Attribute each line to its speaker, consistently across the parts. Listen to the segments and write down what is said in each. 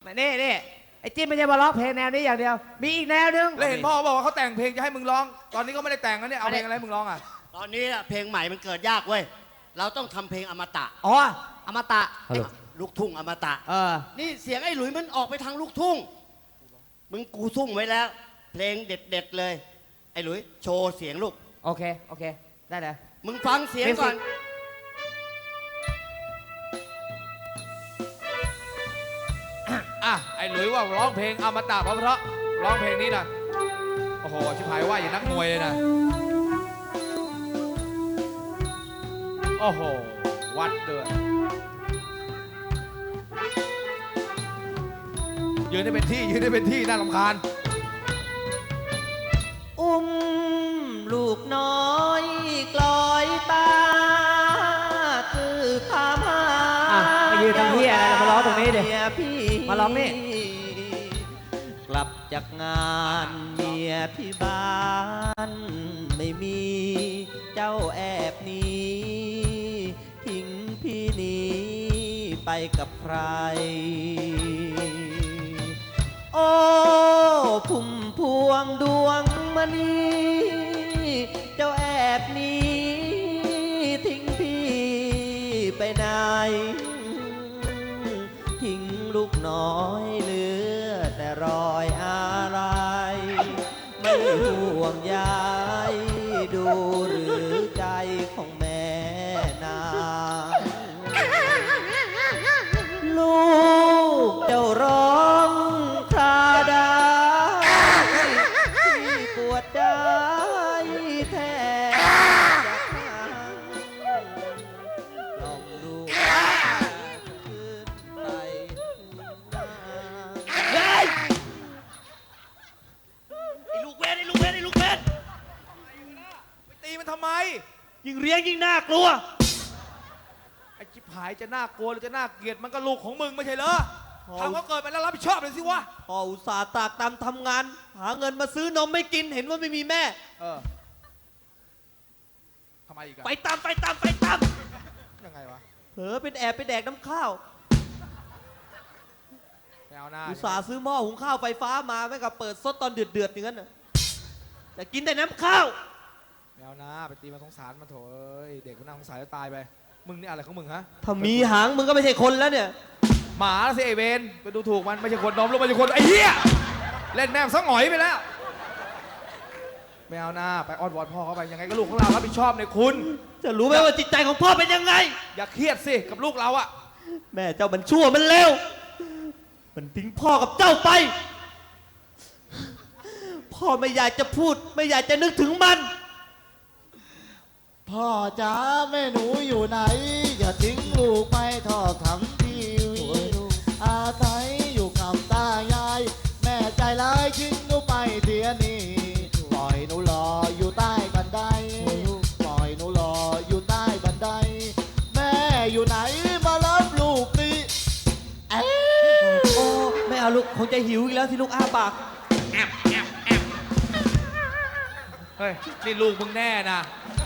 Speaker 1: นี่ไอ้จิ๊บไม่ใช่มาร้องเพลงแนวนี้อย่างเดียวมีอีกแนวนึง
Speaker 2: แล้วเห็นพ่อบอกว่าเขาแต่งเพลงจะให้มึงร้องตอนนี้ก็ไม่ได้แต่งนะเนี่ยเอาเพลงอะไรมึงร้องอ่ะ
Speaker 3: ตอนนี้เพลงใหม่มันเกิดยากเว้ยเราต้องทำเพลงอมตะ
Speaker 1: อ๋ออมตะ
Speaker 3: ลูกทุ่งอมตะนี่เสียงไอ้หลุยมันออกไปทางลูกทุ่งมึงกูซุ่มไว้แล้วเพลงเด็ดๆเลยไอ้หลุยโชว์เสียงลูก
Speaker 1: โอเคได้เลย
Speaker 3: มึงฟังเสียงก่อน
Speaker 2: ไอ้หลุยว่าร้องเพลงอมตะเพราะร้องเพลงนี้นะโอ้โหชิบหายว่าอย่างนักมวยเลยนะโอ้โหวัดเดือดยืนได้เป็นที่น่ารำคาญ
Speaker 1: อุ้มลูกน้อยกลอยตาคือพามามายืนตรงที่อะไรมาร้องตรงนี้ดิมาร้องนี่กลับจากงานเมียที่บ้านไม่มีเจ้าแอบหนีทิ้งพี่นี้ไปกับใครโอ้พุ่มพวงดวงมณีเจ้าแอบหนีทิ้งพี่ไปไหนทิ้งลูกน้อยเหลือแต่รอยอะไรไม่ห่วงใยดูหรือใจของแม่นางลูกเจ้าร้องคราดาที่ปวดใจแท้ลองดูขึ้นไป
Speaker 3: ไอ้ลูกเวท
Speaker 2: ไปตีมันทำไม
Speaker 3: ยิ่งเลี้ยงยิ่งน่ากลัว
Speaker 2: ไอ้ชิบหายจะน่ากลัวหรือจะน่าเกลียดมันก็ลูกของมึงไม่ใช่เหรอทำก็เกิดไปแล้วรับผิดชอบเลยสิวะ
Speaker 1: พ่ออุตส่าห์ตากตำทำงานหาเงินมาซื้อนมไม่กินเห็นว่าไม่มีแม่
Speaker 2: ทำไมอีกอะ
Speaker 3: ไปตาม
Speaker 2: ยังไงวะ
Speaker 1: เผลอเป็นแอบไปแดกน้ำข้าว
Speaker 2: ไม่เอาหน้า
Speaker 1: อุตส่าห์ซื้อหม้อหุงข้าวไฟฟ้ามาไม่กับเปิดซดตอนเดือดอย่างนั้นน่ะแต่กินแต่น้ำข้าว
Speaker 2: ไม่เอาหน้าไปตีมาสงสารมาโถเอ้ยเด็กมันน่าสงสารจะตายไปมึงนี่อะไรของมึงฮะ
Speaker 1: ถ้ามีหางมึงก็ไม่ใช่คนแล้วเนี่ย
Speaker 2: หมาสิไอเวนไปดูถูกมันไม่ใช่คนน้อมลูกไม่ใช่คนไอ้เหี้ยเล่นแม่งซะหงอยไปแล้วไม่เอาหน้าไปอ้อนวอนพ่อเขาไปยังไงก็ลูกของเรารับผิดชอบในคุณ
Speaker 1: จะรู้ไหมว่าจิตใจของพ่อเป็นยังไง
Speaker 2: อย่าเครียดสิกับลูกเราอะ
Speaker 1: แม่เจ้ามันชั่วมันเลวมันทิ้งพ่อกับเจ้าไปพ่อไม่อยากจะพูดไม่อยากจะนึกถึงมัน
Speaker 4: พ่อจ๋าแม่หนูอยู่ไหนอย่าทิ้งลูกไปทอดทำทีวีอาศัยอยู่กับตายายแม่ใจร้ายทิ้งหนูไปเดียวนี้ปล่อยหนูรออยู่ใต้บันไดปล่อยหนูรออยู่ใต้บันไดแม่อยู่ไหนมารับลูกดิ
Speaker 1: โอ้ไม่เอาลูกคงจะหิวอีกแล้วที่ลูกอ้าปาก
Speaker 2: เฮ้ยนี่ลูกมึงแน่นะ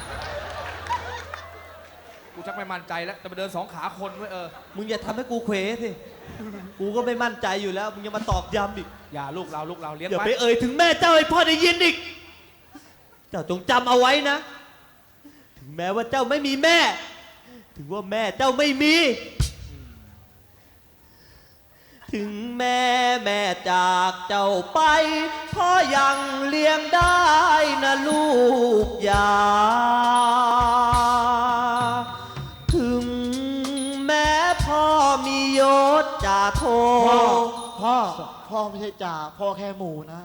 Speaker 2: กูชักไม่มั่นใจแล้วจะไปเดิน2 ขาคนไว้
Speaker 1: มึงอย่าทำให้กูเขวสิกูก็ไม่มั่นใจอยู่แล้วมึงยังมาตอกย้ำอีก
Speaker 2: อย่าลูกเราเลี้ยง
Speaker 1: อย่าไปเอ่ยถึงแม่เจ้าให้พ่อได้ยินอีกเจ้าจงจำเอาไว้นะถึงแม้ว่าเจ้าไม่มีแม่ถึงว่าแม่เจ้าไม่มีถึงแม่จากเจ้าไปพ่อยังเลี้ยงได้นะลูกอย่าถึงแม้พ่อมียศจ่าโท
Speaker 4: พ่อไม่ใช่จ่าพ่อแค่หมูนะ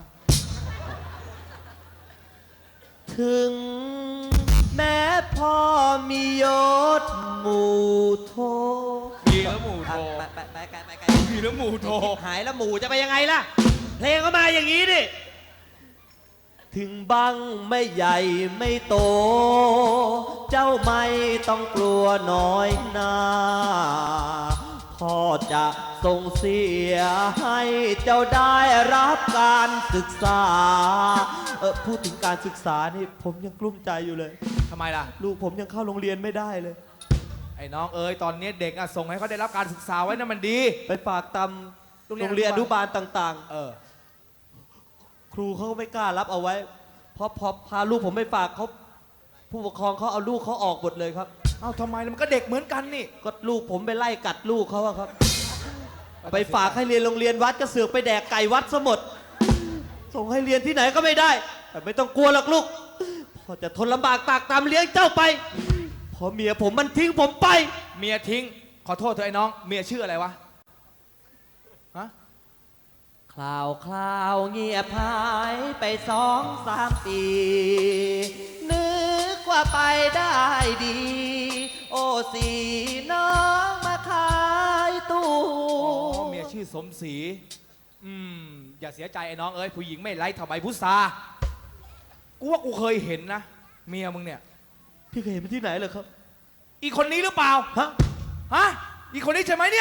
Speaker 1: ถึงแม้พ่อมียศหมู่โท
Speaker 2: มีแล้วหมู่โท
Speaker 1: ไป
Speaker 2: มีแล้วหมู่โท
Speaker 1: หายแล้วหมู่จะไปยังไงล่ะเพลงก็มาอย่างนี้ดิถึงบังไม่ใหญ่ไม่โตเจ้าไม่ต้องกลัวน้อยหน้าพ่อจะส่งเสียให้เจ้าได้รับการศึกษาพูดถึงการศึกษานี่ผมยังกลุ้มใจอยู่เลย
Speaker 2: ทำไมล่ะ
Speaker 1: ลูกผมยังเข้าโรงเรียนไม่ได้เลย
Speaker 2: ไอ้น้องเอ๋ยตอนนี้เด็กส่งให้เขาได้รับการศึกษาไว้นั่นมันดี
Speaker 1: ไปฝากตโรงเรียนอนุบาลต่าง
Speaker 2: เออ
Speaker 1: ๆ ครูเขาก็ไม่กล้ารับเอาไว้ เพราะพอพาลูกผมไปฝากเขาผู้ปกครองเขาเอาลูกเขาออกหมดเลยครับ
Speaker 2: เอ้าทำไมล่ะมันก็เด็กเหมือนกันนี่
Speaker 1: ก็ลูกผมไปไล่กัดลูกเขาอะครับ ไปฝากให้เรียนโรงเรียนวัดก็เสือกไปแดกไก่วัดซะหมด ส่งให้เรียนที่ไหนก็ไม่ได้ แต่ไม่ต้องกลัวหรอกลูกพ่อจะทนลำบากตากตามเลี้ยงเจ้าไปเพอเมียผมมันทิ้งผมไป
Speaker 2: เมียทิ้ง ขอโทษเธอะไอ้น้อง เมียชื่ออะไรวะ ฮะ
Speaker 1: คราวเงียบหายไป2-3 ปี นึกว่าไปได้ดี โอ้สีน้องมาขายตู้
Speaker 2: อ๋อ เมียชื่อสมศรี อย่าเสียใจไอ้น้องเอ้ย ผู้หญิงไม่ไร้ทำไมพุทรากูว่ากูเคยเห็นนะ เมียมึงเนี่ย
Speaker 1: พี่เคยเห็นมันที่ไหนเหรอครับ
Speaker 2: อีกคนนี้หรือเปล่า
Speaker 1: ฮะ
Speaker 2: ฮะ อีกคนนี้ใช่ไหมเนี่ย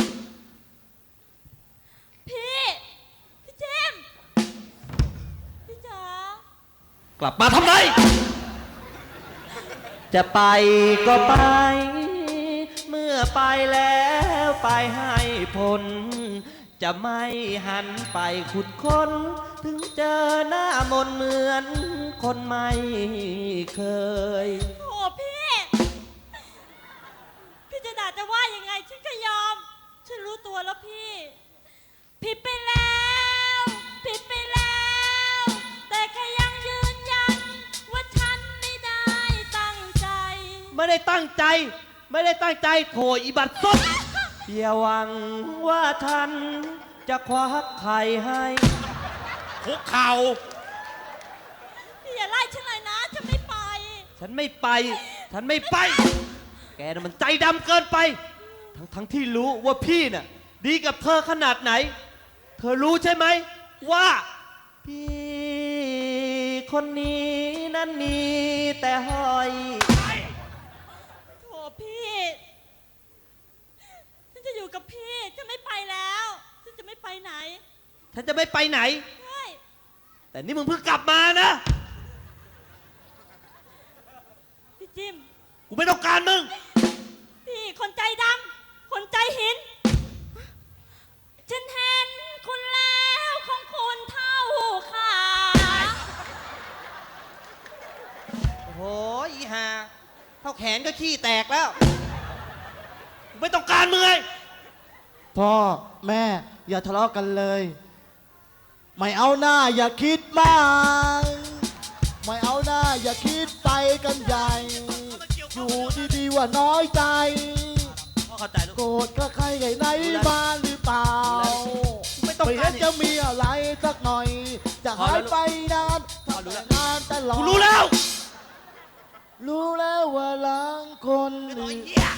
Speaker 5: พี่เจมส์พี่จ๋าก
Speaker 1: ลับมาทำไม จะไปก็ไป เมื่อไปแล้วไปให้ผล จะไม่หันไปขุดค้น ถึงเจอหน้ามนเหมือนคนไม่เคย
Speaker 5: โอ้พี่จะด่าจะว่ายังไงฉันก็ยอม ฉันรู้ตัวแล้วพี่ ผิดไปแล้วผิดไปแล้ว แต่แค่ยังยืนยัน ว่าฉันไม่ได้ตั้งใจ
Speaker 1: ไม่ได้ตั้งใจ ไม่ได้ตั้งใจโถอีบัตรซบอย่าหวังว่าท่านจะควักไข่ให้
Speaker 2: คุกเข่า
Speaker 5: พี่อย่าไล่ฉันเลยนะฉันไม่ไป
Speaker 1: ฉันไม่ไป ฉันไม่ไป แกน่ะมันใจดำเกินไป ทั้งที่รู้ว่าพี่น่ะดีกับเธอขนาดไหน เธอรู้ใช่ไหมว่าพี่คนนี้นั้นมีแต่หอย
Speaker 5: โถพี่ฉันจะอยู่กับพี่ฉันไม่ไปแล้วฉันจะไม่ไปไหน
Speaker 1: ฉันจะไม่ไปไหน
Speaker 5: ใช่
Speaker 1: แต่นี่มึงเพิ่งกลับมานะ
Speaker 5: พี่จิม
Speaker 1: กูไม่ต้องการมึง
Speaker 5: พี่คนใจดำคนใจหิน ฉันเห็นคุณแล้วของคุณเท่าขา
Speaker 1: โอ้โหอีหาเท่าแขนก็ขี้แตกแล้วกูไม่ต้องการมึงไง
Speaker 4: พ่อแม่อย่าทะเลาะกันเลย ไม่เอาหน้าอย่าคิดมากไม่เอาหน้าอย่าคิดไปกันใหญ่ อยู่ดีๆว่าน้อยใจ
Speaker 1: พ่อเข้าใจลูก
Speaker 4: โกรธก็ใครไงไหนมาหรือเปล่า
Speaker 1: ไม่ต้อง
Speaker 4: ไม่
Speaker 1: การ
Speaker 4: เห็นจะมีอะไรสักหน่อย จะหายไปนาน
Speaker 1: พอรู้แล้ว
Speaker 4: นานตลอด
Speaker 1: กูรู้แล้ว
Speaker 4: รู้แล้วว่าหลังคน
Speaker 1: ไอ้
Speaker 4: อื่น
Speaker 1: เหี้ย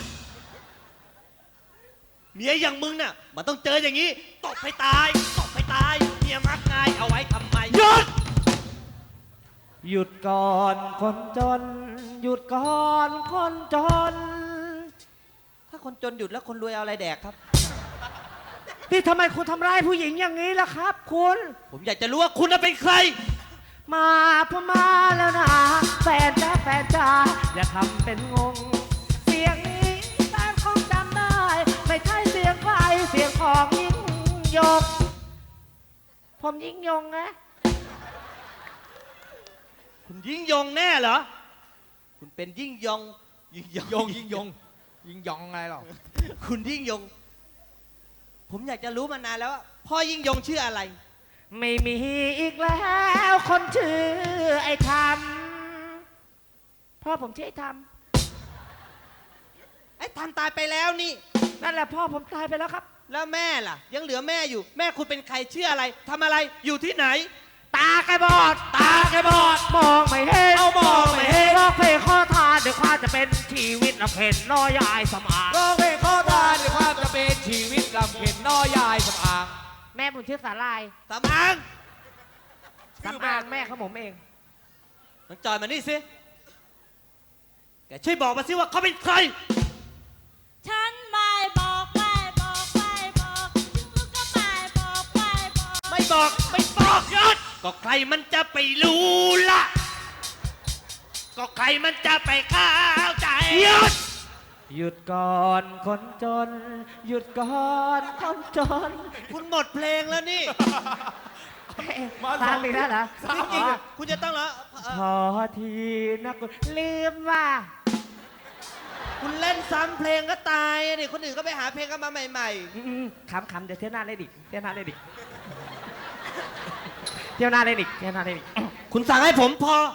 Speaker 1: เมียอย่างมึงน่ะมันต้องเจออย่างนี้ตบให้ตายตบให้ตายเมียมักง่ายเอาไว้ทำไมหยุดหยุดก่อนคนจน หยุดก่อนคนจน ถ้าคนจนหยุดแล้วคนรวยเอาอะไรแดกครับ
Speaker 6: พี่ทำไมคุณทำร้ายผู้หญิงอย่างนี้ล่ะครับ คุณ
Speaker 1: ผมอยากจะรู้ว่าคุณน่ะเป็นใคร
Speaker 6: มาพมาแล้วนะแฟนจ้าแฟนจ้าอย่าทำเป็นงง เสียงนี้แฟนคงจำได้ ไม่ใช่เสียงใครเสียงของยิ่งยง ผมยิ่งยงนะ
Speaker 1: คุณยิ่งยงแน่เหรอ คุณเป็นยิ่งยงยิ่งยง
Speaker 2: ยิงยองไงหรอ
Speaker 1: คุณยิ่งยง ผมอยากจะรู้มานานแล้วว่าพ่อยิ่งยงชื่ออะไร
Speaker 6: ไม่มีอีกแล้วคนชื่อไอ้ทำพ่อผมชื่อไอ้ท
Speaker 1: ไอ้ทันตายไปแล้วนี่
Speaker 6: ำนั่นแหละพ่อผมตายไปแล้วครับ
Speaker 1: แล้วแม่ล่ะ ยังเหลือแม่อยู่ แม่คุณเป็นใครชื่ออะไรทำอะไรอยู่ที่ไหน
Speaker 6: ตาแกบอด ตาแกบอด มองไม่เห็น
Speaker 1: เอามองไม่เห็น
Speaker 6: ร้องเพลงข้อทานเดี๋ยวข้าจะเป็นชีวิตละเพ็นน้อยยายสมาน
Speaker 2: ร้องเพลงขอทานในความจะเป็นชีวิตลำเข็นน้อยายสำอาง
Speaker 6: แม่ผมชื่อสาลาย
Speaker 1: สำอาง
Speaker 6: สำอางแม่ของผมเอง
Speaker 1: น้องจอยมานี่สิแกช่วยบอกมาสิว่าเขาเป็นใคร
Speaker 5: ฉันไม่บอกไม่บอกไม่บอกฉันก็ไม่บอกไม่บอก
Speaker 1: ไม่บอกไม่บอกยศก็ใครมันจะไปรู้ล่ะ ก็ใครมันจะไปเข้าใจยศ
Speaker 6: หยุดก่อนคนจน หยุดก่อนคนจน
Speaker 1: คุณหมดเพลงแล้วนี่
Speaker 6: ตามอีกแล้วเหรอ
Speaker 1: จริงๆอะคุณจะต้องเหรอ
Speaker 6: พอทีนะคุณลืมว่า
Speaker 1: คุณเล่นซ้ำเพลงก็ตายอะดิคนอื่นก็ไปหาเพลงกันมาใหม่
Speaker 6: ขำๆเดี๋ยวเที่ยวหน้าเล่นอีกเที่ยวหน้าเล่นอีกเที่ยวหน้าเล่นอีกเที่ยวหน้าเล่นอีก
Speaker 1: ๆ คุณสั่งให้ผมพอ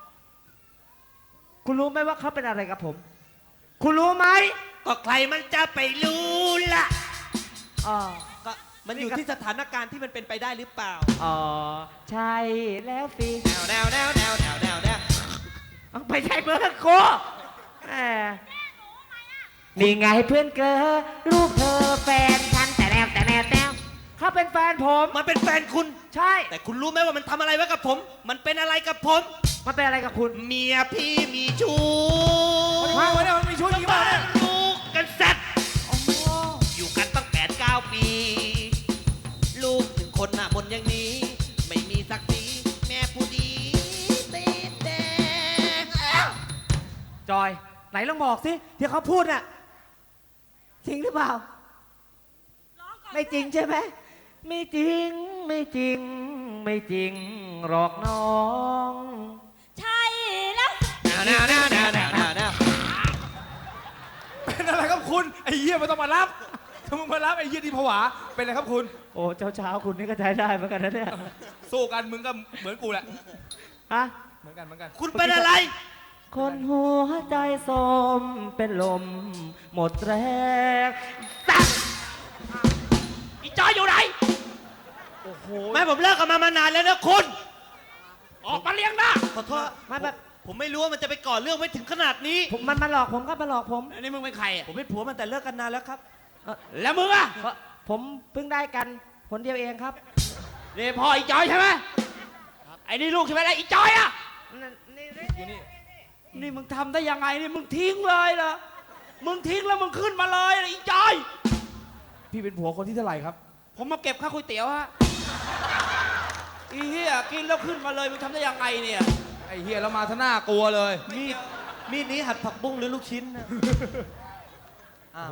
Speaker 6: คุณรู้ไหมว่าเขาเป็นอะไรกับผม คุณรู้ไหม
Speaker 1: ก็ใครมันจะไปรู้ล่ะ
Speaker 6: อ๋อ
Speaker 1: ก็มันอยู่ที่สถานการณ์ที่มันเป็นไปได้หรือเปล่า
Speaker 6: อ๋อ ใช่แล้วสิ
Speaker 1: แนวแนวแนวแนวแนวแนวแนว
Speaker 6: ไม่ใช่เพื่อนกูแหมนี่ไงเพื่อนเกอลูกเธอแฟนฉันแต่แล้วเขาเป็นแฟนผม
Speaker 1: มันเป็นแฟนคุณ
Speaker 6: ใช่
Speaker 1: แต่คุณรู้ไหมว่ามันทำอะไรไว้กับผม มันเป็นอะไรกับผม
Speaker 6: มันเป็นอะไรกับคุณ
Speaker 1: เมียพี่มีชู้
Speaker 2: มาวันนี้มันมีชุดกี่บ้า
Speaker 1: บ้าน
Speaker 2: เนี่ย
Speaker 1: ลูกกันสัตว์อยู่กันตั้ง8-9 ปี ลูก1 คนน่ะบนอย่างนี้ ไม่มีสักทีแม่ผู้ดีตีแดง
Speaker 6: จอย ไหนลองบอกสิที่เขาพูดน่ะจริงหรือเปล่า
Speaker 5: ร้องก่อน
Speaker 6: ไม่จริงใช่ไหมไม่จริงไม่จริง ไม่จริงหรอกน้อง
Speaker 5: ใช่แล้ว
Speaker 1: แนวแนวแนวแนวแนวแนว
Speaker 2: เป็นอะไรครับคุณไอ้เหี้ยไม่ต้องมารับถ้ามึงมารับไอ้เหี้ยที่ผวาเป็นอะไรครับคุณ
Speaker 6: โอ้เช้าคุณนี่ก็ใช้ได้เหมือนกันนะเนี่ย
Speaker 2: สู้กันมึงก็เหมือนกูแหละ
Speaker 6: ฮะ
Speaker 2: เหมือนกัน
Speaker 1: คุณเป็นอะไร
Speaker 6: คนหัวใจสมเป็นลม หมดแรงสัตว์อีจอยอยู่ไหน
Speaker 2: โอ้โห
Speaker 1: แม่ผมเลิกกันมานานแล้วนะคุณ
Speaker 6: ออกมาเลี้ยงหน้า
Speaker 1: ขอโทษ
Speaker 6: ไม่แบบ
Speaker 1: ผมไม่รู้ว่ามันจะไปก่อเรื่องไว้ถึงขนาดนี้
Speaker 6: มันมาหลอกผมครับมาหลอกผม
Speaker 1: อันนี้มึงเป็นใครผมเป็นผัวมันแต่เลิกกันนานแล้วครับ
Speaker 6: แล้วมึงอ่ะผมเพิ่งได้กันคนเดียวเองครับ
Speaker 7: นี่พ่ออีจอยใช่ไหมไอ้นี่ลูกใช่ไหมล่ะอีจอยอ่ะ
Speaker 2: อยู่นี่
Speaker 7: นี่มึงทำได้ยังไงนี่มึงทิ้งเลยเหรอมึงทิ้งแล้วมึงขึ้นมาเลยนะอีจอย
Speaker 2: พี่เป็นผัวคนที่เท่าไหร่ครับ
Speaker 7: ผมมาเก็บค่าก๋วยเตี๋ยวฮะอีเหี้ยกินแล้วขึ้นมาเลยมึงทำได้ยังไงเนี่ย
Speaker 2: ไอ้เหี้ยแล้วมาท่าหน้ากลัวเลย
Speaker 1: มีดนี้หัดผักบุ้งหรือลูกชิ้นนะอ้าว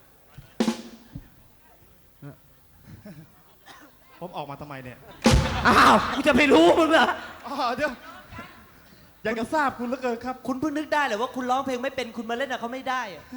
Speaker 4: ผมออกมาทำไมเนี่ย
Speaker 6: อ้าวกูจะไปรู้มึงเหรอ
Speaker 4: อ๋อเดี๋ยวอยากจะทราบคุณเหลือเกินครับ
Speaker 1: คุณเพิ่งนึกได้เหรอว่าคุณร้องเพลงไม่เป็นคุณมาเล่นกับเขาไม่ได้อะ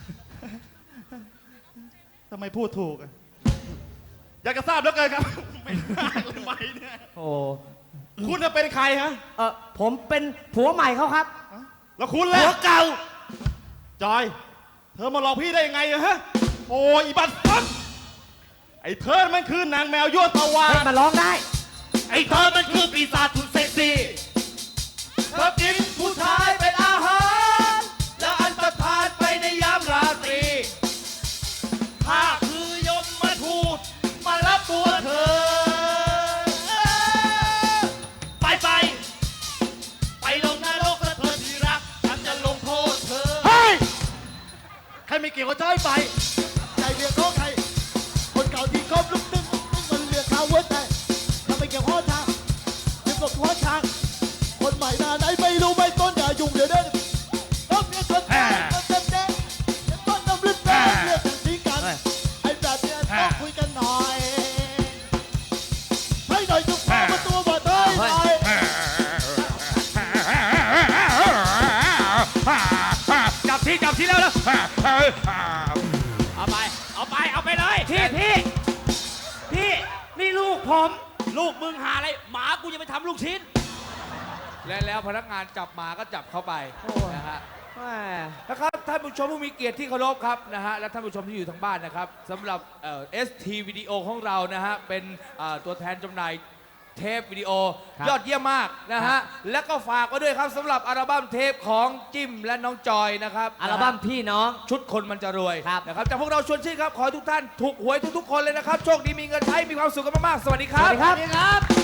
Speaker 4: ทำไมพูดถูกอะอยากจะทราบเหลือเกินครับ ไม่ได้เลยไหมเนี่ย
Speaker 6: โอ้
Speaker 4: คุณจะเป็นใครฮะ
Speaker 6: ผมเป็นผัวใหม่เขาครับ
Speaker 4: แล้วคุณล่ะ
Speaker 1: ผัวเก่า
Speaker 4: จอย เธอมาหลอกพี่ได้ยังไงอะฮะ โอ้ยอีบัตฟันไอ้เธอมันคือนางแมวยั่วตะวา
Speaker 6: เฮ้ยมาร้องได้
Speaker 1: ไอ้เธอมันคือปีศาจสุดเซ็กซี่
Speaker 2: เธอกินผู้ชายเป็นอาหาร แล้วอันตรธานไปในยามราตรีข้าคือยมมาทูตมารับตัวเธอ
Speaker 1: ไปลงนรกเธอที่รัก ฉันจะลงโทษเธอ
Speaker 4: เฮ้ย ใครไม่เกี่ยวกับจอยไป ใจเรียกของใคร คนเก่าที่คบลุกนึงมันเรียกเขาหัวใจทำไมเกี่ยวข้อทางเรียกกับหัวช้างคนใหม่หน้าไหนไม่รู้ไม่ต้นอย่ายุ่งเดี๋ยวเด้อต้องเมียชนแท้เต็มแน่ต้นน้ำลึกแน่เรียกกันทิ้งกันไอ้แบบเนี้ยต้องคุยกันหน่อยให้หน่อยจุกพามาตัวบ่เต้ยหน่อย
Speaker 7: จับที่แล้วเอาไปเลย
Speaker 6: พี่นี่ลูกผม
Speaker 7: ลูกมึงหาอะไรหมากูจะไปทำลูกชิ้น
Speaker 2: และแล้วพนักงานจับหมาก็จับเข้าไป
Speaker 6: โอ้ย
Speaker 2: นะฮะ
Speaker 6: แหม
Speaker 2: นะครับท่านผู้ชมผู้มีเกียรติที่เคารพครับนะฮะและท่านผู้ชมที่อยู่ทางบ้านนะครับสำหรับST วิดีโอของเรานะฮะเป็นตัวแทนจำหน่ายเทปวิดีโอยอดเยี่ยมมากนะฮะและก็ฝากไว้ด้วยครับสำหรับอัลบั้มเทปของจิ้มและน้องจอยนะครับ
Speaker 6: อัลบั้มพี่น้อง
Speaker 2: ชุดคนมันจะรวย
Speaker 6: ครับ
Speaker 2: นะครับจากพวกเราชวนชื่นครับขอให้ทุกท่านถูกหวยทุกๆคนเลยนะครับโชคดีมีเงินใช้มีความสุขกันมากๆสวัสดีค
Speaker 6: ส
Speaker 2: รั
Speaker 6: วั
Speaker 2: บ
Speaker 6: สดีครับ